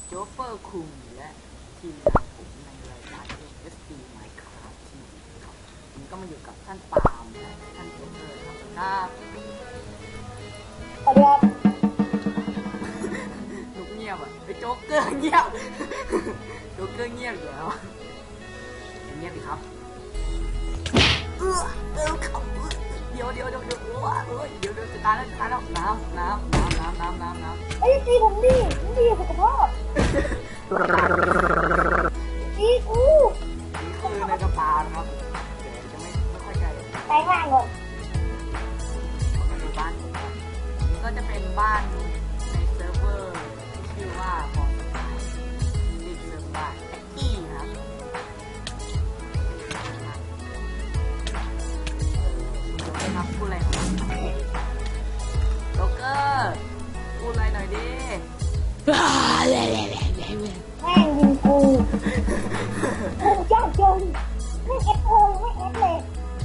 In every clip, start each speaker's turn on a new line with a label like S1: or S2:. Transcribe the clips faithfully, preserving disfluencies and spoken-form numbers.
S1: โจ๊กเปอร์คุงและทีมงานผมในรายการ เอส ดี Minecraft ทีวีครับวันนี้ก็มาอยู่กับท่านปาล์มและท่านโจ๊กเกอร์ครับครับ
S2: สวัสดีครับ
S1: ลุกเงียบอ่ะไอ้โจ๊กเกอร์เงียบโจ๊กเกอร์เงียบอยู่แล้วเงียบดิครับเออเออเขาเดี๋ยวเดี๋ยวเดี๋ยวเดี๋ยวโอ้ยเดี๋ยวเดี๋ยวจะตายแล้วจะตายแล้วน้ำน้ำน้ำน้ำน้ำน้ำน้ำ
S2: ไอ้ตีผมดิผมดีสุขภาพตีกู
S1: นี่คือในกระเป๋านะครับเดี๋ยวจะไม่ไม่ค่อยใจ
S2: ไปง่ายก่อน
S1: มาดูบ้านนี่ก็จะเป็นบ้านในเซิร์ฟเวอร์ที่ชื่อว่าฟอร์สไตล์ที่เซิร์ฟบ้านแอ็กกี้นะครับครับพูดอะไรของมันโจ๊กเกอร์พูดอะไรหน่อยดิ
S2: แม่งยิงกูกูยากจนไม่เอฟโอไม่เอฟเลย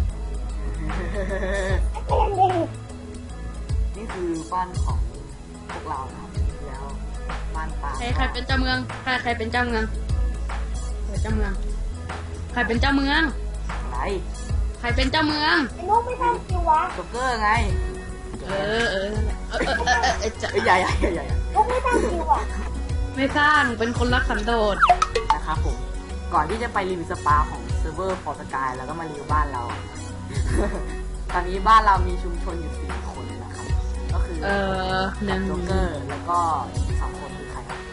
S2: เอฟเลย
S1: นี่คือบ้านของพวกเราครับแล้วบ้านป่า
S3: ใครใครเป็นเจ้าเมืองใครใครเป็นเจ้าเมืองใครเจ้าเมืองใครเป็นเจ้าเมือง
S1: อะไร
S3: ใครเป็นเจ้าเมือง
S2: ไอ้นุ๊กไม่ทำคิววะ
S1: โจ๊กเกอร์ไง
S3: เออเออเออเออเออเออจะ
S1: ใหญ่ใหญ่ใหญ่ใหญ่
S2: นุ๊กไม่ทำคิววะ
S3: ไม่สร้างเป็นคนรักสันโดษ
S1: นะครับผมก่อนที่จะไปรีวิวสปาของเซิร์ฟเวอร์ฟอร์สกายแล้วก็มารีวิวบ้านเราตอนนี้บ้านเรามีชุมชนอยู่สี่คนนะครับก็คือ
S3: เออหนึ่ง
S1: โจ๊กเกอร์แล้วก็สองคนคือใครครับ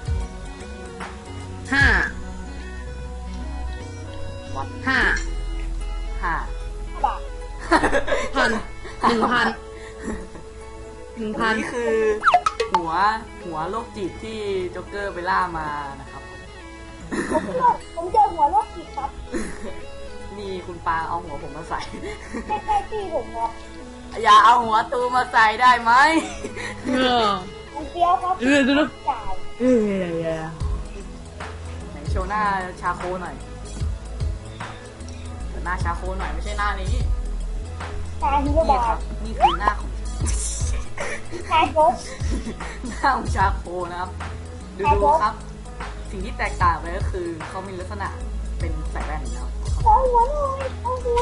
S3: ห้า
S1: วัด
S3: ห้า
S1: ห้า
S2: บาท
S3: พันหนึ่งพันหนึ่งพัน
S1: นี่คือหัวหัวโรคจิตที่โจ๊กเกอร์ไปล่ามานะครับ
S2: ผมผมเจอหัวโรคจิตครับ
S1: นี่คุณปาเอาหัวผมมาใส่
S2: ไม่ใช่ที่ผมครับ
S1: อย่าเอาหัวตูมาใส่ได้ไหม
S3: เออ
S2: ผมเสียวครับ
S3: เออดู
S2: จ่าย
S3: เออ
S1: ไหนโชว์หน้าชาโคหน่อยหน้าชาโคหน่อยไม่ใช่หน้านี้
S2: ตาฮีโร่บาท
S1: นี่คือหน้าของ
S2: ชาโค
S1: หน้าของชาโคนะครับดูดูครับสิ่งที่แตกต่างไปก็คือเขามีลักษณะเป็นใส่แว่นนะครับ
S2: เอาหัวหน่อยเอาหัว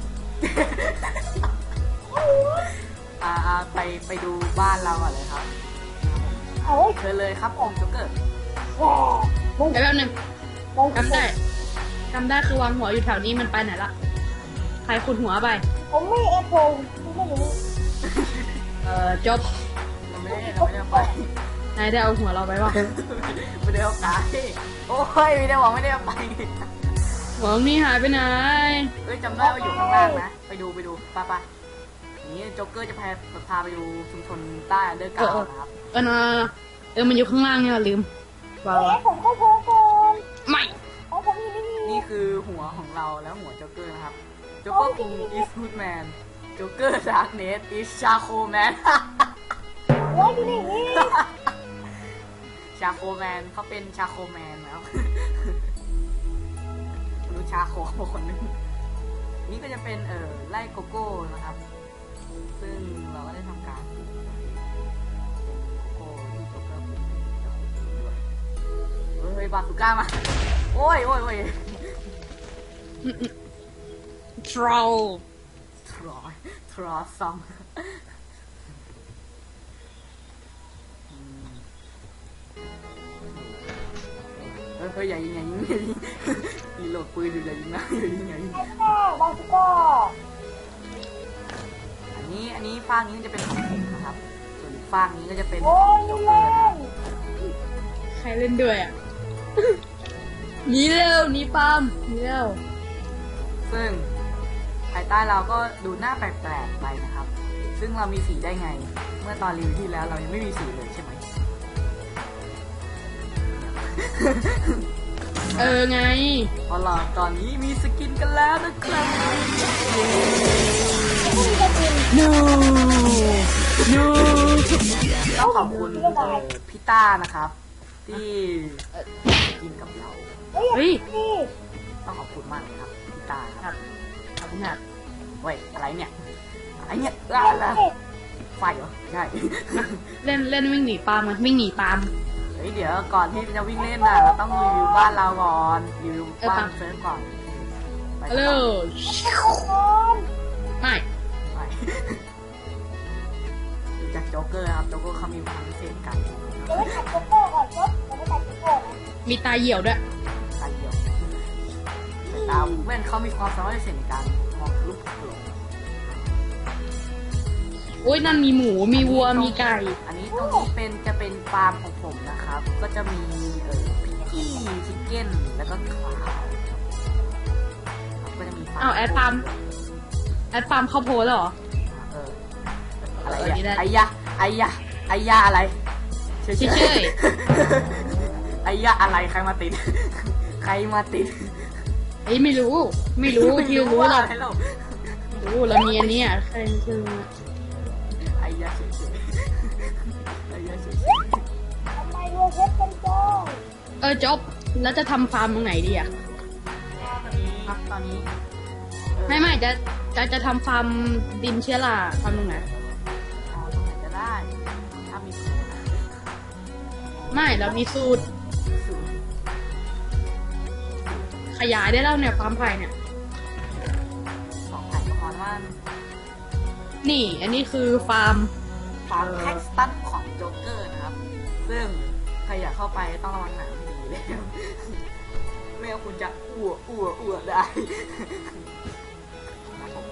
S2: เอาหัว
S1: อ่าไปไปดูบ้านเราก่อนเลยครับ
S2: เอา
S1: เชิญเลยครับผมโจ๊กเกอร์
S3: เดี๋ยวแป๊บนึงจำได้จำได้คือวางหัวอยู่แถวนี้มันไปไหนละใครขุดหัวไป
S2: ผมไม่เอฟโอไม่รู้
S3: เอ่อจบ
S1: เราไม่ได้เราไม่ได้ไป
S3: นายได้เอาหัวเราไปวะ
S1: ไม่ได้เอาไปโอ้ยไม่ได้บอกไม่ได้เอาไป
S3: หัวนี่หายไปไหน
S1: เอ้ยจำได้ว่าอยู่ข้างล่างนะไปดูไปดูป้าป้านี้โจ๊กเกอร์จะพาพาไปดูชุมชนใต้เดอร์กาวนะครับ
S3: เออเออมันอยู่ข้างล่างเนี่ยลืม
S2: ว้าวผมเข้าโพก่อน
S3: ไม่
S1: นี่คือหัวของเราแล้วหัวโจ๊กเกอร์นะครับโจ๊กเกอร์คุง is good man โจ๊กเกอร์ดาร์กเนส is charcoal man
S2: ว้าวดูนี่
S1: ชาโคแมนเขาเป็นชาโคแมนแล้วรู้ชาโคคนนึงนี่ก็จะเป็นเอ่อไร่โกโก้นะครับซึ่งเราก็ได้ทำการโกโก้ที่โจ๊กเกอร์ปลูกจะขุดด้วยเฮ้ยบาสุก้ามาโอ้ยโอ้ยโอ้ย
S3: ทรอล
S1: ทรอลทรอลซัมเฮ้ยอย่ายิงอย่ายิงอย่ายิงมีโหลดปืนอยู่อย่ายิงนะอย่ายิงอย่ายิง
S2: บาสุก้า
S1: อันนี้อันนี้ฟางนี้จะเป็นของผมนะครับส่วนฟางนี้ก็จะเป็น
S2: โอ้ยเล่น
S3: ใครเล่นด้วยอ่ะหนีเร็วหนีปามหนีเร็ว
S1: ซึ่งภายใต้เราก็ดูหน้าแปลกๆไปนะครับซึ่งเรามีสีได้ไงเมื่อตอนรีวิวที่แล้วเรายังไม่มีสีเลยใช่ไหม
S3: เออไง
S1: พอหลอดตอนนี้มีสกินกันแล้วนะครับ
S3: no no
S1: ต้องขอบคุณพี่ต้านะครับที่กินกับเรา
S3: เฮ้ย
S1: ต้องขอบคุณมากเลยครับพี่ต้าครับ
S3: ขอบคุณครับ
S1: เว้ยอะไรเนี่ยอะไรเนี่ยอะไรไฟเหรอใช่
S3: เล่นเล่นวิ่งหนีปาล์มวิ่งหนีปาล์ม
S1: เฮ้ยเดี๋ยวก่อนที่จะวิ่งเล่นน่ะเราต้องรีวิวบ้านเราก่อนรีวิวบ้านเซิร์ฟก่อนไป
S3: ฮัลโหล
S2: ก่อน
S3: ไม่
S1: ไปดูจากโจ๊กเกอร์ครับโจ๊กเกอร์เขามีความพิเศษกัน
S2: เดี๋ยวไปตัดโจ๊กเกอร์ก่อนจบเดี๋ยวไปตัดโจ๊กเกอร์นะ
S3: มีตาเหี่ยวด้วย
S1: ตาเดียวแต่ตาแว่นเขามีความสามารถพิเศษในการมองทะลุผล
S3: โอ้ยนั่นมีหมูมีวัวมีไก่
S1: อันนี้ตรงนี้เป็นจะเป็นฟาร์มของผมนะครับ ก็จะมีเออพิกกี้ชิคเก้นแล้วก็ขาวครับก็จะมีฟาร์ม
S3: อ้าวแอดฟาร์ม แอดฟาร์มข้าวโพดแล้วเหรอ
S1: เอออะไร
S3: เออนี่ได้
S1: เนี่ยไอ้ยะไอ้ยะไอ้ยะอะไรเฉย
S3: เฉย
S1: ไอ้ยะอะไรใครมาติด ใครมาติด
S3: เอ้ยไม่รู้ ไม่รู้ที่รู้
S1: ว่า
S3: หรอก
S1: อะไรเรา
S3: รู้เรามีอันเนี้อ่ะใครคือ
S1: ไอ้ยะเฉยๆไอ้ยะเฉย
S2: ทำไมรวยเพชรกันจัง
S3: เออจบแล้วจะทำฟาร์มตรงไหนดีอ่ะ
S1: ๆตอนนี้ครับตอนนี้เออ
S3: ไม่ไม่จะจะจะทำฟาร์มดินเชื้อราฟาร์มตรงไหน
S1: อ๋อตรงไหนจะได้ถ้ามีสูตรนะ
S3: ไม่เรามีสูตร
S1: สูตร
S3: ขยายได้แล้วเนี่ยฟาร์มไผ่เนี่ย
S1: สองแผ่นก็พอแล้วมัน
S3: นี่ อันนี้คือฟาร์ม
S1: ฟาร์มแท็กสตันของโจ๊กเกอร์นะครับ ซึ่งใครอยากเข้าไปต้องระวังหนังให้ดีเลย ไม่งั้นคุณจะอ้วกอ้วกอ้วกได้ครับผม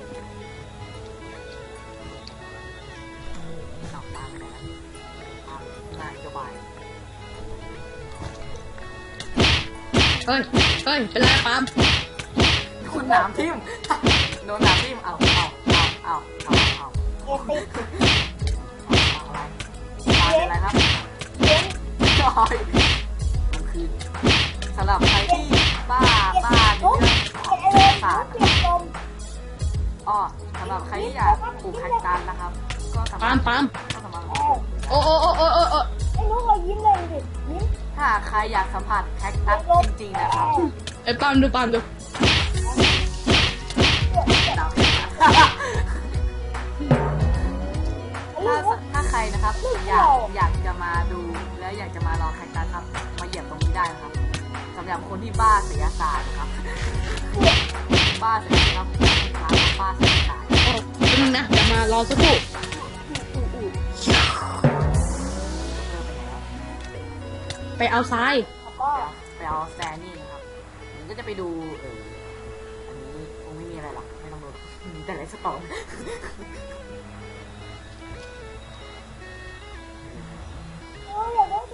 S1: สองตามไปแล้วตามนายสบาย
S3: เฮ้ย เฮ้ย เป็นไรฟาร์ม
S1: คุณหนามทิ่ม โดนหนามทิ่มเอาเอาเอาเอาเอาเอา
S2: เอติก
S1: เอาอะไรตายเป็นไรครับ
S2: เลี้ยง
S1: จอยมันคือสำหรับใครที่บ้าบ้าใน
S2: ทุก
S1: เรื่อง
S2: ไอ้เรื่อง
S1: ศาสตร์
S2: เปลี่ยนลม
S1: อ้อสำหรับใครที่อยากปลูกแคคตัสนะครับ ก็สา
S3: ฟาร์
S1: มารถ
S3: มฟาร์ม
S1: ก็สามารถ
S2: เออ
S3: โอ้โอ้โอ้โอ้โอ้โอ้
S2: ไอ้นุ๊กเรายิ้มเลยดิยิ้ม
S1: ถ้าใครอยากสัมผัสแคคตัสจริงๆนะครับ
S3: ไอ้ฟาร์มดูฟาร์มดู
S1: ดาวถ้าถ้าใครนะครับอยากอยากจะมาดูแล้วอยากจะมาลองแคคตัสครับมาเหยียบตรงนี้ได้นะครับสำหรับคนที่บ้าศิลปศาสตร์นะครับ บ้าศิลปครับร้านบ้าศิลปศาสตร์
S3: โอ้แป๊บนึงนะเดี๋ยวมารอสักครู่
S1: อู้อู้เจอไปแล้ว
S3: ไปเอาทราย
S2: แล้วก็
S1: ไปเอาแซนนี่นะครับผมก็จะไปดูเอออันนี้คงไม่มีอะไรหรอกไม่ต้องดูมีแต่ไรสตอม
S2: เอออย่าได้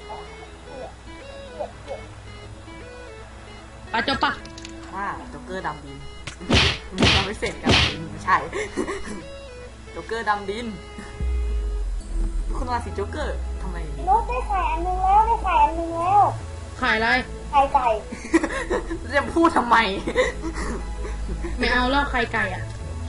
S3: ปะจบปะ
S1: ว่าโจ๊กเกอร์ดำดิน มีความพิเศษกับดินไม่ใช่ โจ๊กเกอร์ดำดินคุณว่าสิโจ๊กเกอร์ทำไม
S2: นุ๊กได้ไข่อันหนึงแล้วได้ไข่อันหนึงแล้ว
S3: ขายอะไร
S2: ไข่ไก่
S1: จะพูดทำไม
S3: ไม่เอาแล้วไข่ไก่อ่ะ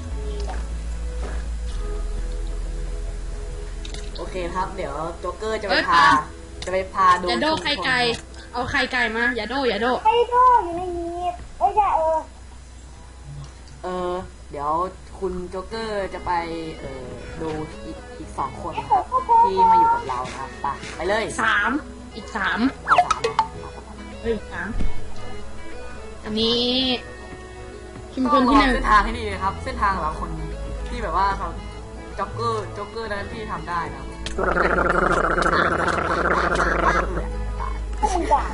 S1: โอเคครับ เดี๋ยวโจ๊กเกอร์จะไป
S3: เอ้ย
S1: พา
S3: ปา
S1: จะไปพาดู
S3: อย่าโด
S1: ชุมชน
S3: ไข่ไก่ เอาไข่ไก่มา อย่าโดอย่าโด
S2: ไข่โดอยู่ในนี้เอ้ยอย่าเออ
S1: เออ เดี๋ยวคุณโจ๊กเกอร์จะไปเออดูอีกอีกสองคนนะครับที่มาอยู่กับเรานะครับไปไปเลย
S3: สาม อีกสาม
S1: เอาสามมา
S3: เฮ้ยสามอันนี้ชุมช
S1: ต้อน ง
S3: ที่
S1: ระ
S3: ห
S1: วัง
S3: นึ่ง
S1: เส้นทางให้ดีนะครับ เส้นทางของเราคนที่แบบว่าเขาโจ๊กเกอร์โจ๊กเกอร์นั้นที่ทำได้นะครับ
S2: ถ้ามึงด่า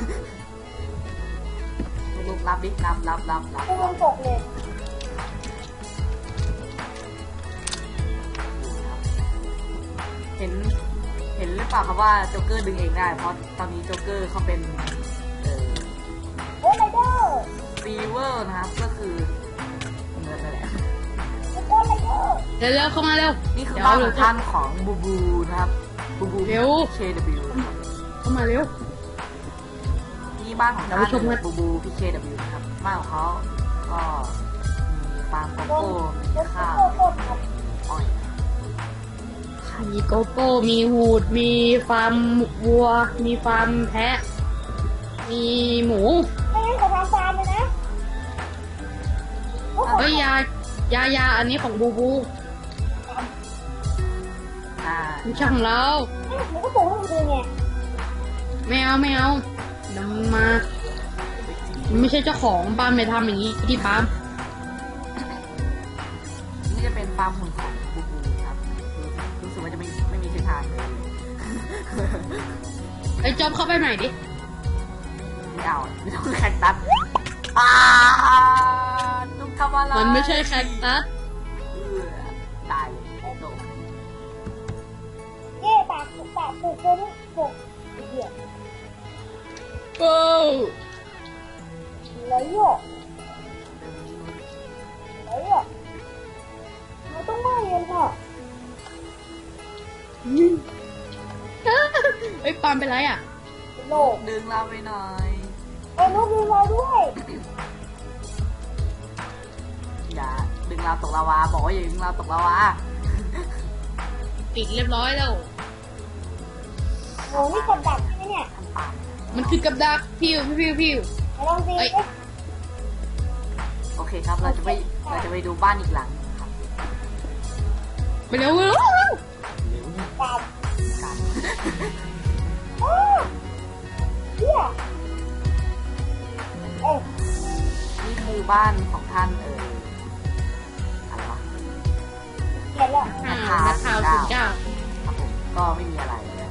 S1: ลูกรับดิรับรับรับรับ
S2: กูมันตกเลย
S1: เห็นเห็นหรือเปล่าครับว่าโจ๊กเกอร์ดึงเองได้ เพราะตอนนี้โจ๊กเกอร์เขาเป็นเอ่อ
S2: เฮ้ยไรเดอร์
S1: ซีเวอร์นะครับก็คือเงินนั่นแหละ
S2: ทุกคนไรเดอร์
S3: เร็วเร็วเข้ามาเร็ว
S1: นี่คือ
S3: เดี๋ยว
S1: บ้านข
S3: เดี๋
S1: อย ง
S3: ว
S1: ท่านของบูบูนะครับบูบู
S3: เร็ว
S1: เค ดับเบิลยู นะครับ
S3: เข้ามาเร็ว
S1: นี่บ้านของ
S3: เดี๋
S1: ท่า
S3: ยวไปชมกัน
S1: นบูบูพีเคดับเบิลยูนะครับบ้านของเขาก็มีฟาร์มโก
S2: โด
S1: โก้
S2: น
S1: มี
S2: โดน
S1: ข้าว
S2: โดนครับ
S1: อ้อย
S3: มีโกโก้มีหูด มีฟาร์มวัว มีฟาร์มแพะ มีหมู
S2: ไม่งั้นขอทำฟาร์มเลยนะโอ้โห
S3: เฮ้ยยายายาอันนี้ของบูบู
S1: อ่า
S3: ไม่ใช่ของเรา
S2: มันก็ปลูกให้มันดูไง
S3: ไไม่เอาไม่เอาเดี๋ยวมันมามันไม่ใช่เจ้าของปาล์มไม่ทำอย่างนี้ที่ปาล์ม
S1: นี่จะเป็นฟาร์มหุ่นของบูบูครับรู้สึกว่าจะไม่ไม่มีเส้นทางเลย
S3: ไอ้จอบเข้าไปใหม่ดิ
S1: ไม่เอาไม่ต้องแคคตัสอ่าตุ้มทำอะไร
S3: มันไม่ใช่แคคตัส
S1: เออตายเลยโดน
S2: เย่ปากปากปลูกตัวนี้ปลูกเหี้ย
S3: โอ้
S2: ไรโยกไรโยกมันต้องมาเรียนค่ะ
S3: ไอ้ยปาล์มเป็นไรอ่ะ
S2: โลก
S1: ดึงเราไปหน่อย
S2: ไอ้ลูกมีเราด้วย
S1: อย่าดึงเราตกลาวาบอกว่าอย่าดึงเราตกลาวา
S3: ปิดเรียบร้อยแล้ว
S2: โหนี่กับดักใช่ไหมเนี่ย
S1: ทำปาก
S3: มันคือกับดักพิวพิวพิว
S2: มาลองดี
S3: เอ้ย
S2: สิ
S1: โอเคครับเราจะไปเราจะไปดูบ้านอีกหลังครับ
S3: ไปเร็วเร็ว
S2: ปาก
S1: กัน
S2: โอ้เหี้ยเอ้ย
S1: นี่คือบ้านของท่านเอออะไรวะ
S2: เขียนแล้ว
S3: อ่านักข่าวสุดเจ้า
S1: ครับผมก็ไม่มีอะไรเลย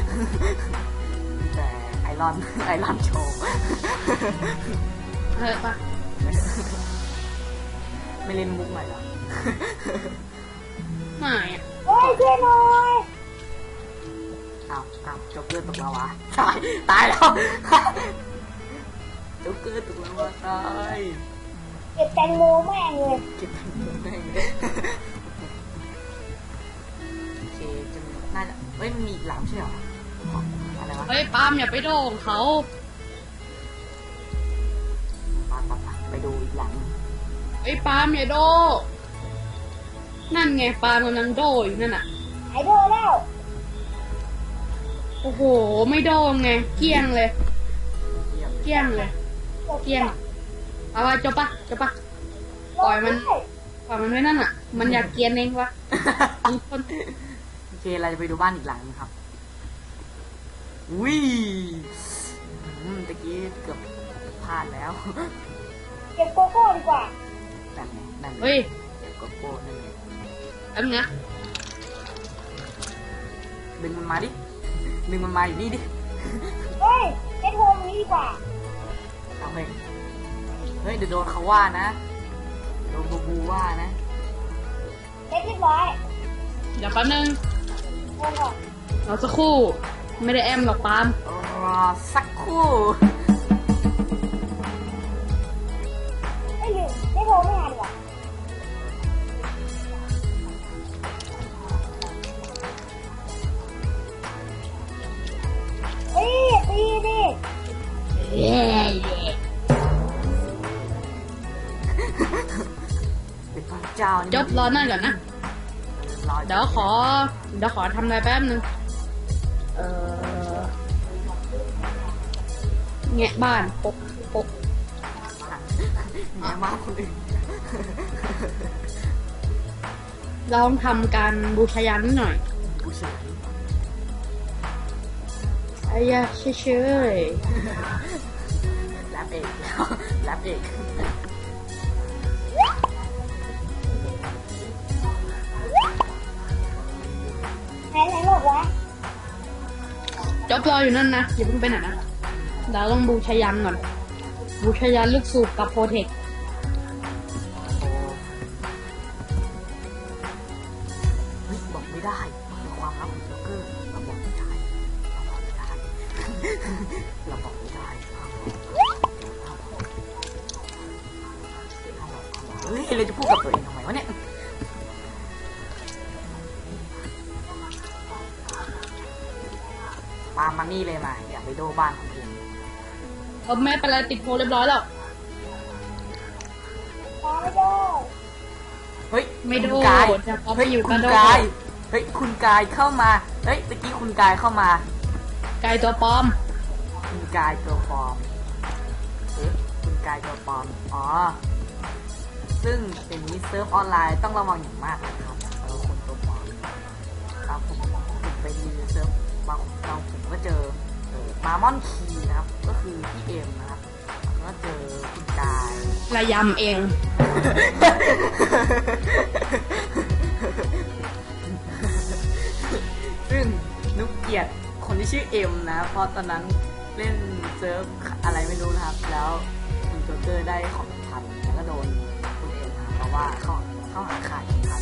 S1: แต่ไอรอน ไอรอนโชว์
S3: เฮ้ยปะ
S1: ไม่เล่นมุกหน่อยเหรอ
S3: ไม่อะ
S2: เฮ้ยช่วยหน่อย
S1: อ้าวอ้าวโจ๊กเกอร์ตกลาวาตาย ตายแล้ว โจ๊กเกอร์ตกลาวาตาย
S2: เก็บแตงโมแม่งเลย
S1: เก็บทั้งหมดได้ไงโอเคจะมีน่าจะเฮ้ยมันมีอีกหลังใช่เหรอของอะไรวะ
S3: เฮ้ยปาล์มอย่าไปโดนเขา
S1: ไปไปไปไปดูอีกหลัง
S3: ไอ้ยปาล์มอย่าโดนั่นไงปาล์มกำลังโดอยู่นั่นน่ะ
S2: หายโดนแล้ว
S3: โอ้โหไม่โดนไงเกลี้ยงเลย
S1: เยี่ยม
S3: เกลี้ยงเลย
S2: จบ
S3: เกลี้ยงเอาไว้จบปะจบปะ ปล่อยมัน
S2: ได้
S3: ปล่อยมันไว้นั่นอ่ะ มันอยากเกรียนเองวะมีคน
S1: โอเคเราจะไปดูบ้านอีกหลังนะครับอุ้ยอืมตะกี้เกือบพลาดแล้ว
S2: เก็บโกโก้ดีกว่า
S1: นั่นไงนั่นไง
S3: เฮ้ย
S1: เก็บโกโก้นั่นไง
S3: แป๊บนึงนะ
S1: ดึงมันมาดิดึงมันมาอยู่นี่ดิ
S2: เฮ้ยเก็บโฮมนี้ดีกว่า
S1: เอาเฮ้ยเฮ้ยเดี๋ยวโดนเขาว่านะโดนบูบูว่านะ
S2: เก็บเรียบร้อย
S3: เดี๋ยวแป๊บนึง
S2: โฮมก่อน
S3: รอสักครู่ ไม่ได้แอมหรอกปาล์ม
S1: รอสักครู่
S2: ไม่ลืมเก็บโฮมไม่หาดีกว่าเฮ้ยตีดิ
S1: เป็นพระเจ้านี่
S3: จบรอนั่นก่อนนะ
S1: รอ
S3: เดี๋ยวขอ เดี๋ยวขอทำอะไรแป๊บนึง เออแงะบ้านปกปก
S1: แง่มากคนอื่น
S3: ลองทำการบูชายันหน่อย
S1: บูชา
S3: ไอ้ยาเฉย
S1: แรปเอกแล้วแรปเอก
S2: ไหนไหนบอกวะ
S3: ๆจบรออยู่นั่นนะอย่าเพิ่งไปไหนนะเดี๋ยวต้องบูชายันก่อน บูชายันลูกสูบกับโปรเทค
S1: โอ้เฮ้ยบอกไม่ได้เป็นความลับของโจ๊กเกอร์เราบอกไม่ได้เราบอกไม่ได้ เราบอกไม่ได้เฮ้ยเราจะพูดกับตัวเองทำไมวะเนี่ยปามานี่เลยมาอย่าไปโดบ้านคนอื่น
S3: เออไม่เป็นไรติดโพลเรียบร้อยแล้ว
S2: ตามไม่ได้
S1: เฮ้ย
S3: ไม่โด
S1: คุณกาย
S3: จะเอาไป
S1: เฮ้ย
S3: อยู่
S1: คุ
S3: กับ
S1: ณ
S3: โด
S1: กายเฮ้ยคุณกายเข้ามาเฮ้ยตะกี้คุณกายเข้ามา
S3: ไก่ตัวปลอม
S1: คุณกายตัวปลอมเอ๊ะคุณกายตัวปลอมอ๋อซึ่งเป็นนี้เซิร์ฟออนไลน์ต้องระวังอย่างมากนะครับเราคนตัวปลอมครับผมผมไปรีวิวเซิร์ฟบางเราผมก็เจอเออมามอนคีนะครับ ก็คือพี่เอ็มนะครับแล้วก็เจอคุณกาย
S3: ระยำเอง
S1: ซึ่งนุกเกลียดคนที่ชื่อเอ็มนะเพราะตอนนั้นเล่นเซิร์ฟอะไรไม่รู้นะครับ แล้วคุณโจ๊กเกอร์ได้ของพันแล้วก็โดนคุณเอ็มนะครับเพราะว่าเข้าเข้าหาขาดพัน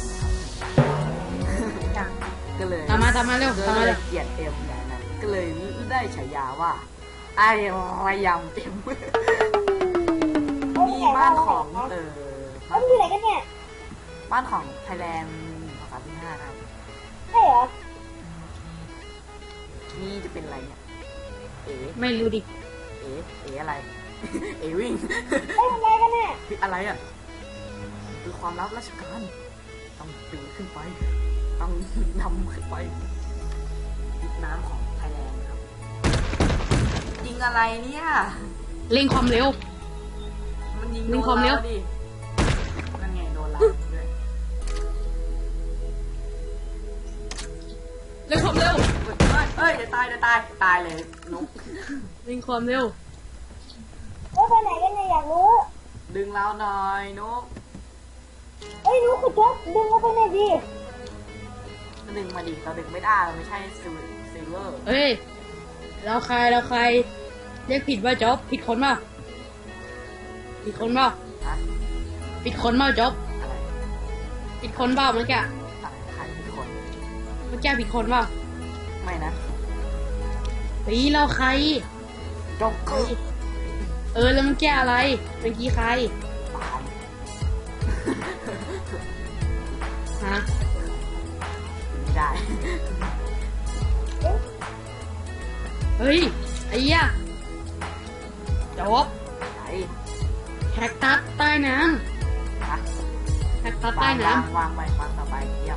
S1: นะครับ ก็เลย
S3: ตามมาตามมาเร็ว
S1: ก็
S3: ตามมา
S1: เล
S3: เร็
S1: ยว เกลียดเอ็มอย่างนั้นก็เลยได้ฉายาว่าไอ้ระยำเอ็ม
S2: เฮ้ย
S1: นี่บ้านของเออ
S2: เฮ้ยอยู่ไหนกันเนี่ย
S1: บ้านของไทยแลนด์ภาษาที่ห้านะครับ
S2: ใช่เหรอ
S1: นี่จะเป็นอะไรเนี่ยเอ๋
S3: ไม่รู้ดิ
S1: เอ๋เอ๋อะไร เอ๋วิ่ง
S2: เฮ้ยทำอะไรกันเนี่ย
S1: คืออะไรอ่ะคือความลับราชการต้องปีนขึ้นไปต้องนำขึ้นไปยิงน้ำของไทยแลนด์ครับยิงอะไรเนี่ย
S3: เร่งความเร็ว
S1: มันยิง
S3: ยิ
S1: โด
S3: ง
S1: น
S3: ความเร็ว
S1: เราดินั่นไงโดนเราด้วย
S3: เร่งความเร็ว
S1: เฮ้ยเดี๋ยวตายเดี๋ยวตายตายเลยนุก
S3: เร่งความเร็ว
S2: เฮ้ยไปไหนกันเนี่ยอยากรู้
S1: ดึงเราหน่อยนุก
S2: เฮ้ยรู้คุณจ๊อบดึงเขาไปหน่อยดิ
S1: ก็ดึงมาดิเราดึงไม่ได้เราไม่ใช่ซิลซิลเวอร์
S3: เฮ้ยเราใครเราใครเรียกผิดว่าจ๊อบผิดคนเปล่าผิดคนเปล่า
S1: ฮะ
S3: ผิดคนเปล่าจ๊อบ
S1: อะไร
S3: ผิดคนเปล่าเมื่อกี้
S1: อะไรใครเป็นคน
S3: เมื่อกี้ผิดคนเปล่า
S1: ไม่นะ
S3: เฮ้ยเราใคร
S1: จ็อกเกอร์
S3: เออแล้วเมื่อกี้อะไรเมื่อกี้ใคร
S1: ปาล์ม
S3: ฮะ
S1: ไม่ได้
S3: เฮ้ยไอ้เหี้ยจ๊อบ
S1: ไหน
S3: แคคตัสใต้น้
S1: ฮะ
S3: ำแคคตัสใต้
S1: วาง
S3: น้
S1: วางวางไปวางต่อไปเยี่ยม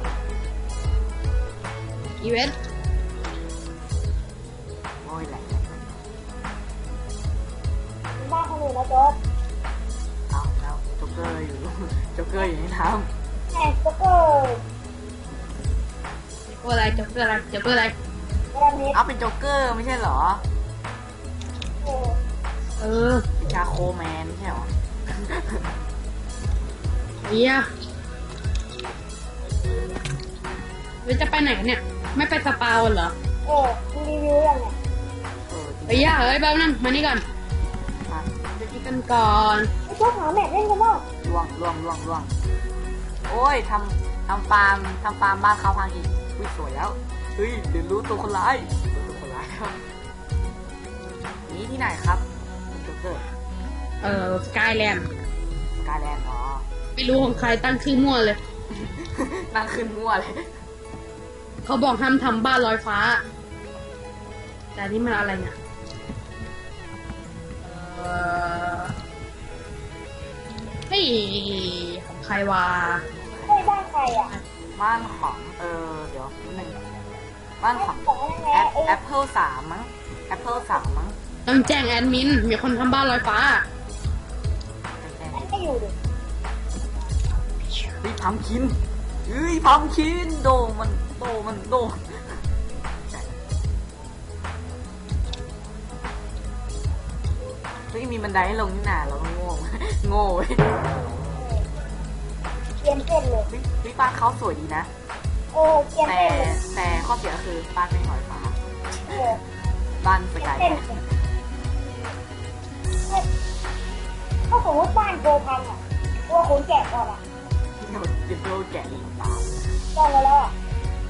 S3: ำอีเวนต์
S1: โอ้ยแหละ
S2: บ้านคนอื่นนะจ๊อบ
S1: เอาแล้วจ็อกเกอร์อยู่ จ็อกเกอร์อยู่ในน้
S2: แหมจ๊อบเกอร์
S3: ตัวอะไรจ๊อบเพื่ออะไรจ๊อบเพื่ออะไร
S2: กระดานเน็ต
S1: ำเอาเป็นจ็อกเกอร์ไม่ใช่เหรอ
S2: เออ
S3: เออ
S1: เป็นชาโคแมนไม่ใช่เหรอ
S3: เฮียเราจะไปไหนกันเนี่ย ไม่ไปสปาวันเหรอ
S2: เออดูรีวิวยังเนี่ย
S1: เออจริง
S3: เฮียเอ้ยแป๊บนึงมานี่ก่อน
S1: ฮะ
S3: จะกินกันก่อน
S2: ไอ้จ๊อบหาแมทเล่นกันบ้าง
S1: ล่วงล่วงล่วงล่วงโอ้ยทำทำฟาร์มทำฟาร์มบ้านเขาพังอีกอุ้ยสวยแล้วเฮ้ยเดี๋ยวรู้ตัวคนร้ายรู้ตัวคนร้ายครับนี่ที่ไหนครับคุณจ็อกเกอร์
S3: เออสกายแลนด์
S1: สกายแลนด์อ๋อ
S3: ไม่รู้ของใครตั้งชื่อมั่วเลย
S1: นั่งขึ้นมั่วเลย
S3: เขาบอกห้ามทำบ้านลอยฟ้า แต่นี่มันอะไรเนี่ยเออเฮ้ยของใครวะ
S2: เฮ้ยบ้านใครอ่ะ
S1: บ้านของเออเดี๋ยวนิดนึงบ้านของ
S2: ของอะไร
S1: แอ
S2: นะ
S1: ป
S2: เอ้ย
S1: แอปเปิลสามมั้งแอปเปิลสามมั้ง
S3: ต้องแจ้งแอดมิน มีคนทำบ้านลอยฟ้า
S1: แจ้ง
S2: อันก็อยู่ดิ
S1: ๆเฮ้ยพัมคินเฮ้ยพัมคินโดมันโดมันโดเฮ้ยมีบันไดให้ลงนี่นาเราก็โง่ โง่เว้ย
S2: เกียนเส้นเลย
S1: เฮ้ยเฮ้ยบ้านเขาสวยดีนะ
S2: เออเกียน
S1: แต่
S2: เส้นเลย
S1: แต่ข้อเสียก็คือบ้านไม่ลอยฟ้า
S2: เออ
S1: บ้านส
S2: เกียน
S1: กาย
S2: เส้นเลยเฮ้ยถ้าสมมติบ้านโกพังอ่ะตัวขนแกะก่อนอ่ะ
S1: เดี๋ยวเดี๋ยวโดนแกะอีกตาม
S2: จองไว้แล้วอ่ะ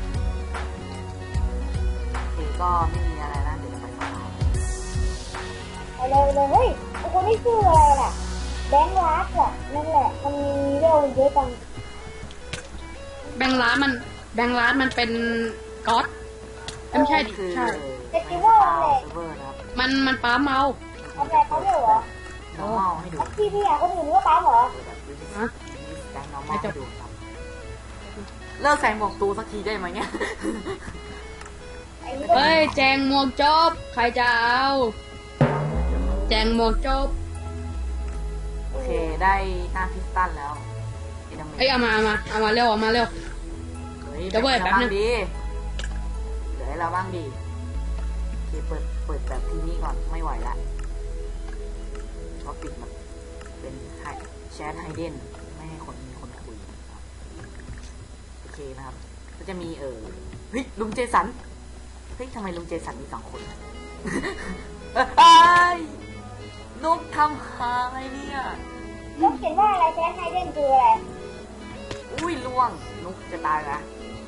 S1: โอเคก็ไม่มีอะไรนะเดี๋ยวจะไปสบาย
S2: ไปเลยเลยเฮ้ยไอ้คนที่ชื่ออะไรล่ะแบงค์รักอ่ะนั่นแหละมันมีเรื่องเยอะจัง
S3: แบงค์ร้านมัน แบงค์ร้านมันเป็นก๊อตไม่ใช่ดิ
S1: คือ
S3: ใช่
S1: เฟสติวัลเซิร์ฟเวอร์นะครับ
S3: มันมันป้าเมา
S2: ทำแบบเขาด้วยเหรอ
S1: น้องเมาให้ดู
S2: แล้วพี่พี่อ่ะคนอื่นก็ปั๊มเหรอ
S3: ฮะ
S1: แกงน้องเมาให้ดูครับเลิกใส่หมวกตูสักทีได้ไหมเนี่ย
S2: ไอ้นี่ก็
S3: เฮ้ย แจงหมวกจบ ใครจะเอา แจงหมวกจบ
S1: โอเคได้หน้าพิสตันแล้ว
S3: เอ้ยเอามาเอามาเอามาเร็วเอามาเร็ว
S1: เฮ้ย
S3: เดี๋ยวเว้ยแป๊บนึง
S1: ดีเดี๋ยวให้เราบ้างดีโอเคเปิดเปิดแบบที่นี่ก่อนไม่ไหวละเพราะปิดมันเป็นแชทไฮเดนไม่ให้คนมีคนคุยโอเคนะครับก็จะมีเออเฮ้ยลุงเจสันเฮ้ยทำไมลุงเจสันมีสองคน เอ้ยนกทำหายเนี่ย
S2: นกเขียนว่าอะไรแซนไฮเดนคืออะไร
S1: อุ้ยล่วงนกจะตายนะ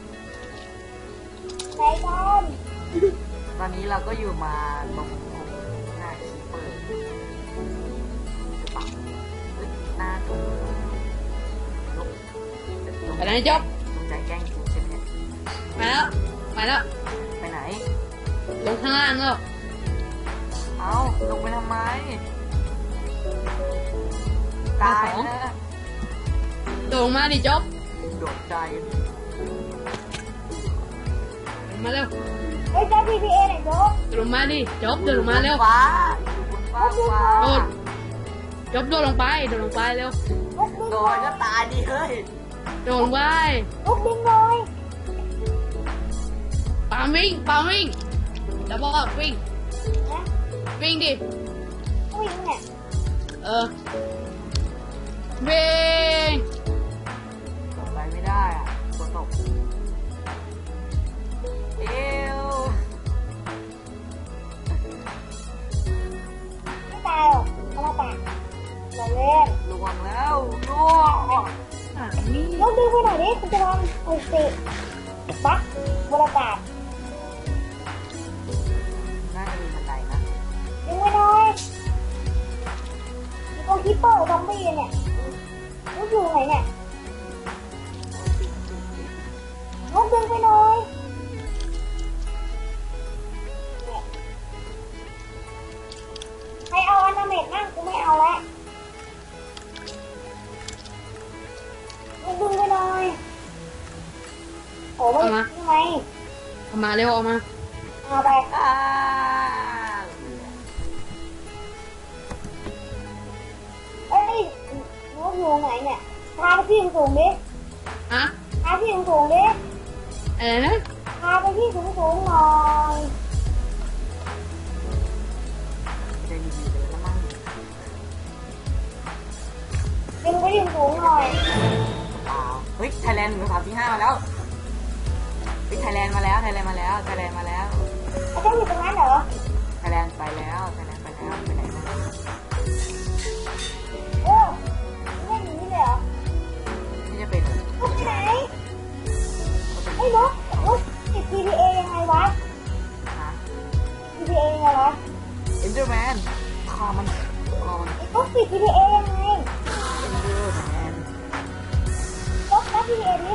S2: ไหนกัน
S1: ตอนนี้เราก็อยู่มาตรงหน้าคีเปอร์หรือเปล่าเฮ้ยหน้าตรงนก
S3: ไปไหนจบ
S1: ตรงใจแกล้งกูใช่ไหมเนี่ย
S3: ไปแล้วไปแล้ว
S1: ไปไหน
S3: ลงข้างล่างแล้ว
S1: เอ้าลงไปทำไมตายนะ
S3: โดดลงมาดิจบ
S1: โดดใจ
S3: ลงมาเร็ว
S2: เฮ้ยเจ้า พี พี เอ ไหนโจ๊ก
S3: โดดลงมาดิจบโดดลงมาเร็ว
S1: ฟ้าอยู่บนฟ้าฟ้า
S3: โดดจบโดดลงไปโดดลงไปเร็ว
S2: นกดึง
S1: โด
S2: หน่อย
S1: ดก็ตายดิเฮ้ย
S3: โดดลงไป
S2: นกดึงหน่อย
S3: ปามวิ่งปามวิ่งแล้วบอกวิ่ง
S2: นะ
S3: วิ่งดิ
S2: วิ่งเนี่ย
S3: เออวิ่ง
S1: โดดไปไม่ได้อ่ะฝนตกเอว
S2: ไม่ตายหรอกเอามาปากเราเล่น
S1: ลวงแล้วล่วง
S3: อ่ะนี่
S2: นกดึงไปหน่อยดิคุณจะลองอุติบักบรรยากาศ
S1: น่าจะมีบันไดนะ
S2: ดึงไปหน่อยมีตัวคิปเปอร์ซอมบี้เนี่ยนกอยู่ไหนเนี่ยนกดึงไปหน่อยเนี่ยใครเอาอนาเมตนั่งกูไม่เอาแล้วนกดึงไปหน่อยโอ้ไม่ทำไม
S3: เอามาเร็วเอามา
S2: เอาไป
S1: อ้า
S2: เอ้ยนกอยู่ไหนเนี่ยพาไปที่สูงๆดิ
S3: อะ
S2: พาที่สูงๆดิ
S3: อะไรนะ
S2: พาไปที่สูงๆหน่อย
S1: จะดีๆเลยนะมั่ง
S2: ดึงไปที่สูงๆหน่อย
S1: เปล่าเฮ้ยไทยแลนด์หนึ่งสามสี่ห้ามาแล้วเฮ้ยไทยแลนด์มาแล้วไทยแลนด์มาแล้วไทยแลนด์มาแล้ว
S2: ไอ้เจ้าอยู่ตรงนั้นเหรอ
S1: ไทยแลนด์ไปแล้วไทยแลนด์ไปแล้วไปไหนมา
S2: โอ้ไม่หนีเลยเหรอ
S1: ไม่จะเป็น
S2: นกไปไหนไอ้นกนกติด พี พี เอ ยังไงวะ
S1: ฮะ
S2: พี พี เอ ยังไงวะ
S1: เอ็นเดอร์แมนคอมันคอมัน
S2: ไอ้นกติด พี พี เอ ยังไง
S1: เอ็นเดอร์แมน
S2: นกนับ พี พี เอ ดิ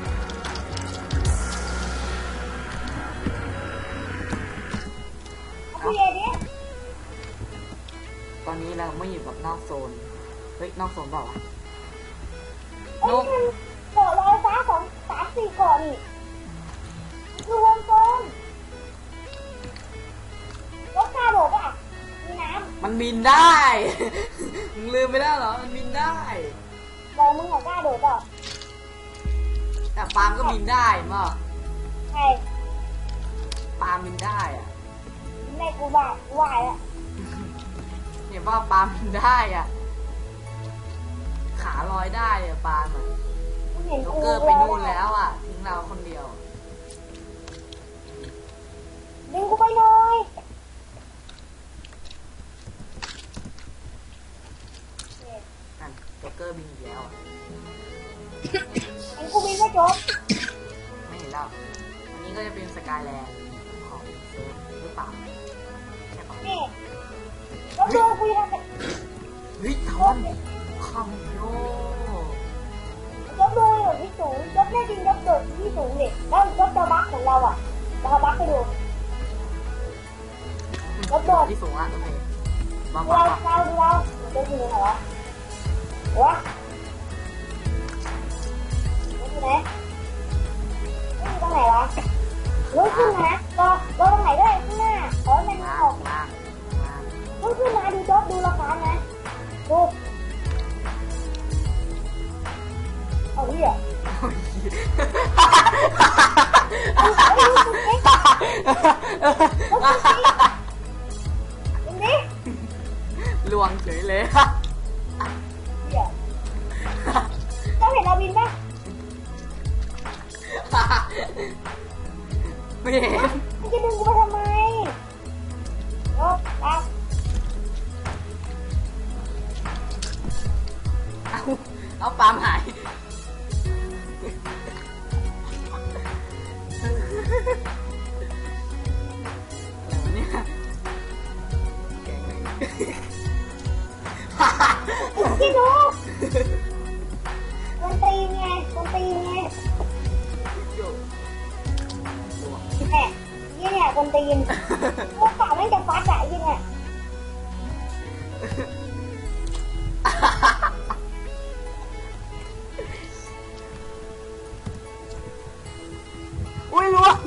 S2: พี พี เอ ดิ
S1: ตอนนี้เราไม่อยู่กับนอกโซนเฮ้ยนอกโซนเปล่าวะ
S2: เอ้ยมันเกาะลอยฟ้าสองสามสี่เกาะนี่คือวงกลมนกกาโดดป่ะมีน้ำ
S1: มันบินได้ มึงลืมไปแล้วเหรอมันบินได้
S2: บอกมึงอะกล้าโดดเปล่า
S1: แต่ปาล์มก็บินได้มั้ง
S2: ใช่
S1: ปาล์มบินได้อะ
S2: ในกูบ้ากูไหวแล้ว
S1: เนี่ยว่าปาล์มบินได้อ่ะขาลอยได้อะปาล์มอะ
S2: กูเห็น
S1: โจ๊ก
S2: กู
S1: เกอร์ไปนู่นแล้วอ่ะทิ้งเราคนเดียว
S2: ดึงกูไปหน่อยเนี่ย
S1: นั่นโจ๊กเกอร์บินอีกแล้วอะ
S2: เห็นกูบินไม่จบ
S1: ไม่เห็นแล้วอันนี้ก็จะเป็นสกายแลนด์ของเซิร์ฟหรือเปล่าใช่ปะ
S2: นี่แล้วโดนกูยังไง
S1: เฮ้ยทอนคอมโย
S2: ยกโดนอยู่ที่สูงยกแน่จริงยกโดดที่สูงดิแล้วยกตัวบักของเราอ่ะเราเอาบักไปดู แล้วโดด
S1: ที่สูงอ่ะโอเคมา
S2: ดู
S1: มา
S2: เรา
S1: มา
S2: เราดูเราเดี๋ยวดูไหนวะวะดูไหนดูตรงไหนวะลุกขึ้นนะรอรอตรงไหนด้วยข้างหน้าขอให้มัน
S1: ล่า
S2: ออก
S1: งล่างล่าง
S2: ลุกขึ้นมาดูโจ๊กดูราคานะดูเอาดิอ่ะ
S1: โอ้ย
S2: เอาเอาดูสิ
S1: ลวงเฉยเลย
S2: เดี๋ยวเจ้าเห็นอาวินปะ
S1: ไม่เห็น
S2: มึงจะดึงกูไปทำไมโอ้ปั๊บ
S1: เอาเอาปาล์มหายอะไรวะเนี่ยแกงไหน
S2: พี่ดูคนตีนไงคนตีนไง
S1: โย่ลวง
S2: แหมยี่เนี่ยคนตีนพวกเปล่าแม่งจะฟัดอะยี่เนี่ย
S1: อุ้ยลวง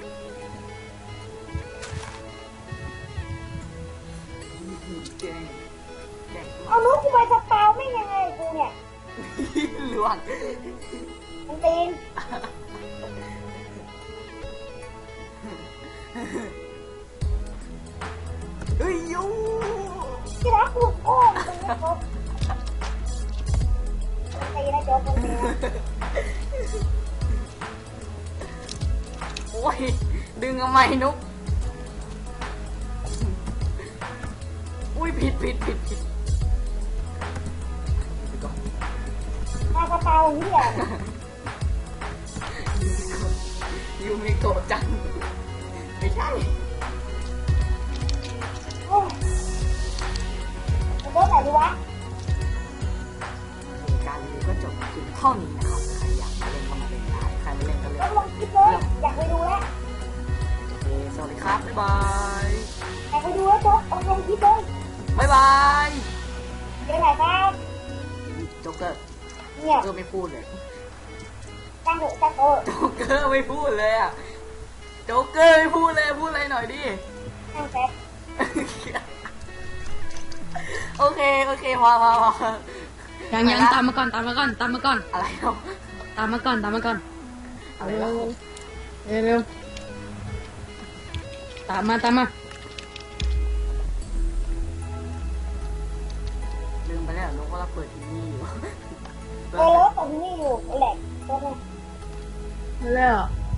S1: แกงแกง
S2: เอานุ๊กกูไปสปาวไม่ยังไงกูเนี่ย
S1: ลวง
S2: คนตีน
S1: เฮ้ยยู
S2: ที่รักกูโอ้มึงไม่ครบคนตีนนะโจ๊กคนตีนนะ
S1: โอ้ยดึงทำไมนุกอุ้ยผิดผิดผิดผิดไปก่อน
S2: มาสปาวอย่างนี้อ่ะ
S1: ยูมิโกะจังไม่ใช่
S2: โอ้ยโจ๊กไหนดีวะ
S1: การรีวิวก็จบเพียงเท่านี้นะครับใครอยากมาเล่นก็มาเล่นได้ใครไม่เล่นก็เล่
S2: โจ๊ก
S1: น
S2: ลองคิดเลยอยากไปดูแล้ว
S1: โอเคสวัสดีครับบ๊ายบาย
S2: อยากไปดูแล้วโจ๊กลองลองคิดเลย
S1: บ๊ายบาย
S2: เดี๋ยวไหนครับ
S1: โจ๊กเกอร์
S2: เนี่ย
S1: โจ๊กเกอร์ไม่พูดเลย
S2: จ้างเถอะจ้างเถอะ
S1: โจ๊กเกอร์ไม่พูดเลยอ่ะโจ๊กเกอร์ไม่พูดเลยพูดอะไรหน่อยดิ
S2: จ้างแป๊บ
S1: โอเคโอเคพอพอพอ
S3: ยังยังตามมาก่อนตามมาก่อนตามมาก่อน
S1: อะไรเนาะ
S3: ตามมาก่อนตามมาก่อน
S1: อะไร
S3: เร็
S1: เนาะ
S3: วเร็วเร็วตามมาตามมา
S1: ลืมไปแล้วนุกว่าเราเปิดทีวีอยู่
S2: เออแล้วผมนี่อยู่แหลกโจ๊กเนี่ย
S3: เร็ว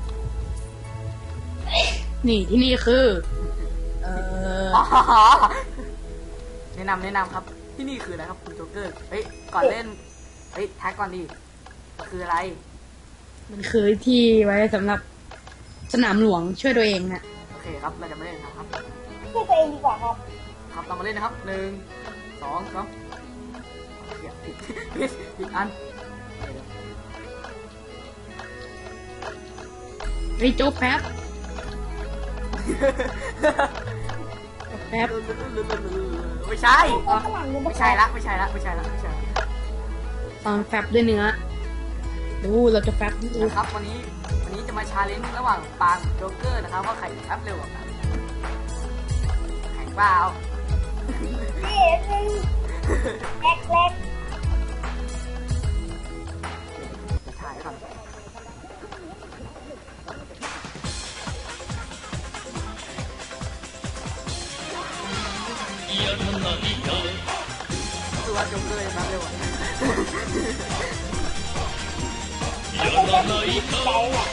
S3: นี่ที่นี่คือ เออ
S1: อ๋อแนะนำแนะนำครับที่นี่คืออะไรครับคุณโจ๊กเกอร์เฮ้ยก่อนเล่นเฮ้ยทักก่อนดิคืออะไร
S3: มันคือที่ไว้สำหรับสนามหลวงช่วยตัวเองนะ
S1: โอเคครับเราจะมาเล่นนะครับ
S2: ช่วยตัวเองดีกว่าครับ
S1: ครับเรามาเล่นนะครับหนึ่งสองสามเดี๋ยวผิดผิดผิดอัน
S3: เฮ้ยโจ๊กแป๊บแป๊บ
S1: ไม่ใช่
S2: เอาฝรั่งนี่
S1: ไม่ใช่ละไม่ใช่ละไม่ใช่ละไม่ใช่ละ
S3: ตอนแฟบด้วยเนื้อดูเราจะแฟบดู
S1: นะครับวันนี้วันนี้จะมาชาเลนจ์ระหว่างปางโจ๊กเกอร์นะครับว่าใครแอปเร็วกว่ากันแข่งเปล่า
S2: นี่หนึ่งแหลกแหลก
S1: จะถ่ายก่อนคือว่าโจ๊กเกอร์แอปเร็วกว่า
S2: ไม่ใช่แค่ผู้หญิงใจแหละ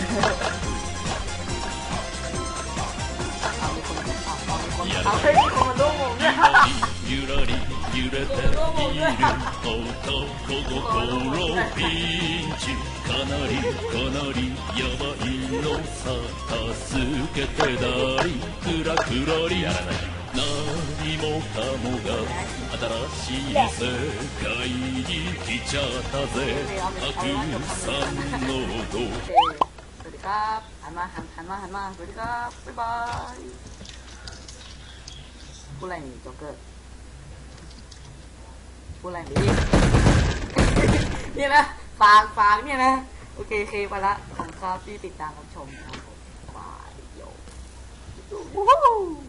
S1: เอามีคนเอาเอามีคนเอาเฮ้ยมีคนมาร่วมวงด้วย
S4: ゆらり揺れている男心ピンチかなりかなりやばいのさ助けてだりくらくらり何もかもが新しい世界に来ちゃったぜたくさんの音
S1: โอเคสวัสดีครับหันมาหันหันมาหันมาสวัสดีครับบ๊ายบายพูดอะไรนี่โจ๊กเกอร์พูดอะไรนี่ เนี่ยนะฝากฝากเนี่ยนะโอเคโอเคไปละขอบคุณครับที่ติดตามรับชมนะครับผมบายโย